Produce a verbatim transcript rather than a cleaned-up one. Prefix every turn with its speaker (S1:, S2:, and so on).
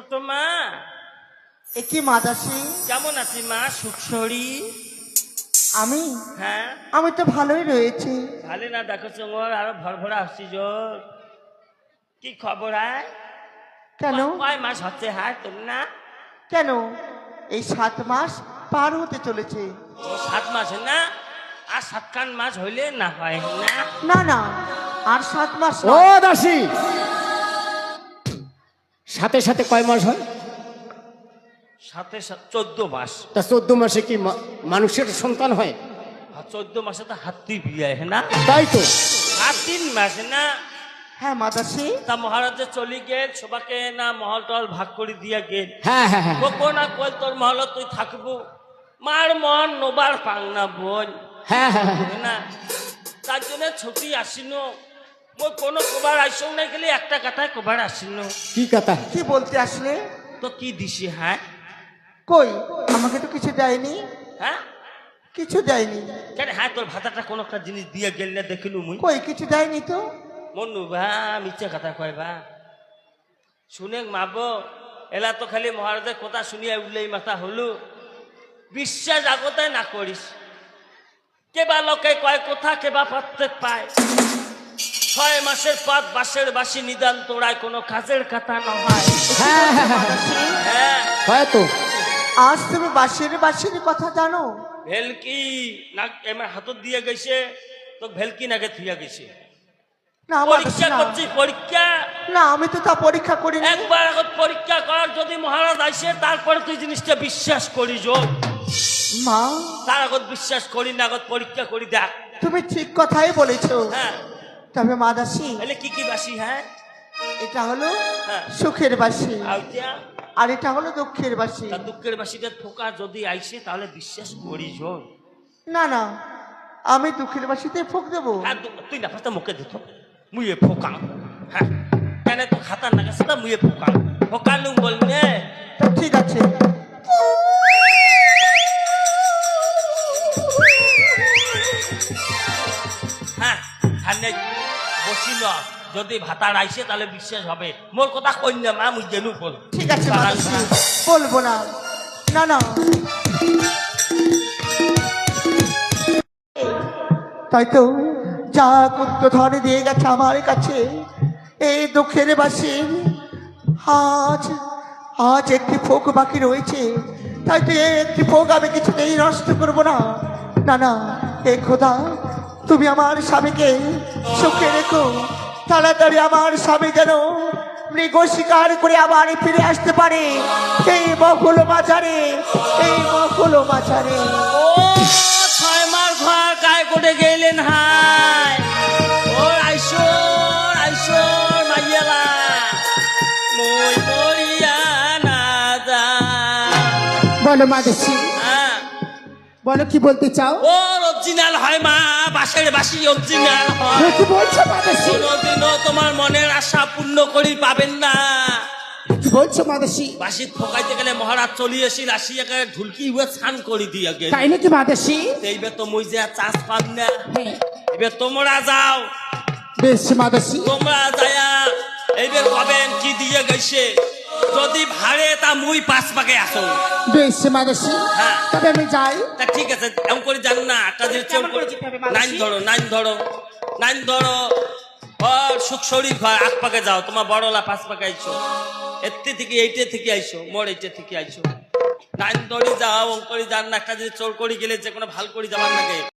S1: ছোট মা
S2: একই মাদাসি
S1: কেমন আছি মা? সুখসরি
S2: আমি
S1: হ্যাঁ
S2: আমি তো ভালোই রয়েছি।
S1: ভালো না দেখো চোর আরো ভর ভরা আসছি জোর। কি খবর আয়?
S2: কেন
S1: কয় মাস হচ্ছে হায় তোর না?
S2: কেন এই সাত মাস পার হতে চলেছে।
S1: ও সাত মাস না? আর সাতখান মাস হইলে না হয় না?
S2: না না আর সাত মাস
S3: ও
S2: নয়।
S3: দাসী, সাথে সাথে কয় মাস হয়?
S1: সাথে সাত চোদ্দ মাস।
S3: তা চোদ্দ মাসে কি মা- মানুষের সন্তান হয়?
S1: আর চোদ্দ মাসে তো হাতি বিয়ে হয় না?
S3: তাই তো।
S1: আর তিন মাস না?
S2: হ্যাঁ মাদাসি
S1: তা মহারাজে চলি গেল সবাকে না মহল টহল ভাগ করে দিয়া গেল।
S3: হ্যাঁ হ্যাঁ হ্যাঁ
S1: কোকো না কল তোর মহল তুই থাকবো মার মন নোবার পাং না বোন
S3: হ্যাঁ হ্যাঁ হ্যাঁ।
S1: না তার জন্য ছুটি আসিনো মই কোনো কবার আইসও না গেলে একটা কথায় কবার আসিনো।
S3: কি কথা?
S2: কি বলতে আসলে?
S1: তো কি দিছি হ্যাঁ?
S2: কই আমাকে তো কিছু দেয়নি,
S1: হ্যাঁ
S2: কিছু দেয়নি।
S1: কেন হ্যাঁ তোর ভাতাটা কোনো একটা জিনিস দিয়ে গেল না দেখিলু মুই?
S2: কই কিছু দেয়নি তো।
S1: মনু ভা মিথ্যে কথা কয় বা শুনে মাবো এলা তো খালি মহারাজের কথা শুনিয়া উঠলেই মাথা হলু। বিশ্বাস আগতায় না করিস। কেবা লোকে কয় কথা কেবা প্রত্যেক পায়। ছয় মাসের পথ বাসের বাসি নিদান তোড়ায় কোনো কাজের কথা নয়।
S3: হ্যাঁ হ্যাঁ হ্যাঁ
S2: মাদাসি,
S1: হ্যাঁ
S3: হয় তো।
S2: আজ তুমি বাঁশির বাঁশির কথা জানো?
S1: ভেলকি না এমার হাতত দিয়ে গেছে তো ভেলকি নাকে থুইয়া গেছে।
S2: না মাদাসি
S1: পরীক্ষা
S2: না।
S1: করছি পরীক্ষা।
S2: না আমি তো তা পরীক্ষা করিনি।
S1: একবার আগত পরীক্ষা কর যদি মহারাজ আসে তারপরে তুই জিনিসটা বিশ্বাস করি যো।
S2: মা
S1: তার আগত বিশ্বাস করি না আগত পরীক্ষা করি দেখ।
S2: তুমি ঠিক কথাই বলেছো।
S1: হ্যাঁ
S2: তবে মাদাসি
S1: তাহলে কি কি বাসি হ্যাঁ?
S2: এটা হলো
S1: হ্যাঁ
S2: সুখের বাসি
S1: আইতা
S2: আর এটা হলো দুঃখের বাসি।
S1: তা দুঃখের বাসিটা ফোকা যদি আইসে তাহলে বিশ্বাস করি যো।
S2: না না আমি দুঃখের বাসিতে ফুক দেবো।
S1: হ্যাঁ দু- তুই না পারতা মুখে দিত মুয়ে ফোকা। হ্যাঁ কেন তো খাতার না গেছে তা মুয়ে ফোকা ফোকা নু বলনে।
S2: তো ঠিক আছে।
S1: হ্যাঁ হানে বসিল যদি ভাতার আইসে তাহলে বিশ্বাস হবে। মোর কথা কইনা মা মুই জেনু বল।
S2: ঠিক আছে মাদাসি বলবো না। না না তাই তো যা কুত্ত ধরে দিয়ে গেছে আমার কাছে এই দুঃখের বাসি। আজ আজ একটি ফোক বাকি রয়েছে। তাই তো এই একটি ফোক আমি কিছুতেই নষ্ট করবো না। না না এ খোদা তুমি আমার স্বামীকে সুখে রেখো। তাড়াতাড়ি আমার স্বামী যেন মৃগ শিকার করে আবার ফিরে আসতে পারে এই মকুল বাজারে, এই মকুল বাজারে।
S1: ও ছয় মাস ঘর কায় করে গেলেন হাই ও আইসর আইসর মাইয়ালা মই মরিয়া না যা।
S3: বলো মাদাসী,
S1: হ্যাঁ
S3: বলো কি বলতে চাও?
S1: ও অরিজিনাল হয় মা বাসের বাসি অরিজিনাল হয়।
S3: কি বলছো মাদাসী?
S1: কোনোদিনও তোমার মনের আশা পূর্ণ করি পাবেন না।
S3: কি বলছো মাদাসী?
S1: বাসি ঠকাইতে গেলে মহারাজ চলি আসিল আসি একে ঢুলকি হুয়ে স্নান করি দিয়ে গেল।
S3: তাই নাকি মাদাসী?
S1: এইবার তো মুই যে চাষ পান না।
S3: হ্যাঁ।
S1: এবার তোমরা যাও
S3: বেশ মাদাসী।
S1: তোমরা যায়া এইবার পাবেন কি দিয়ে গেছে। যদি ভাড়ে তা মুই পাঁচ পাকে আসো।
S3: বেশ মাদাসী,
S1: হ্যাঁ।
S3: তবে আমি যাই।
S1: তা ঠিক আছে এমন করে জান না একটা জিনিস চোর করে নাইন ধরো নাইন ধরো নাইন ধরো আর সুখ শরীর হয় আট পাকে যাও। তোমার বড়লা পাঁচ পাকে আইছো এতে থেকে এইটে থেকে আইছো মোর এইটে থেকে আইছো নাইন ধরি যাও অঙ্করি জান না একটা জিনিস চোর করে গেলে যে কোনো ভাল করে যাবার লাগে।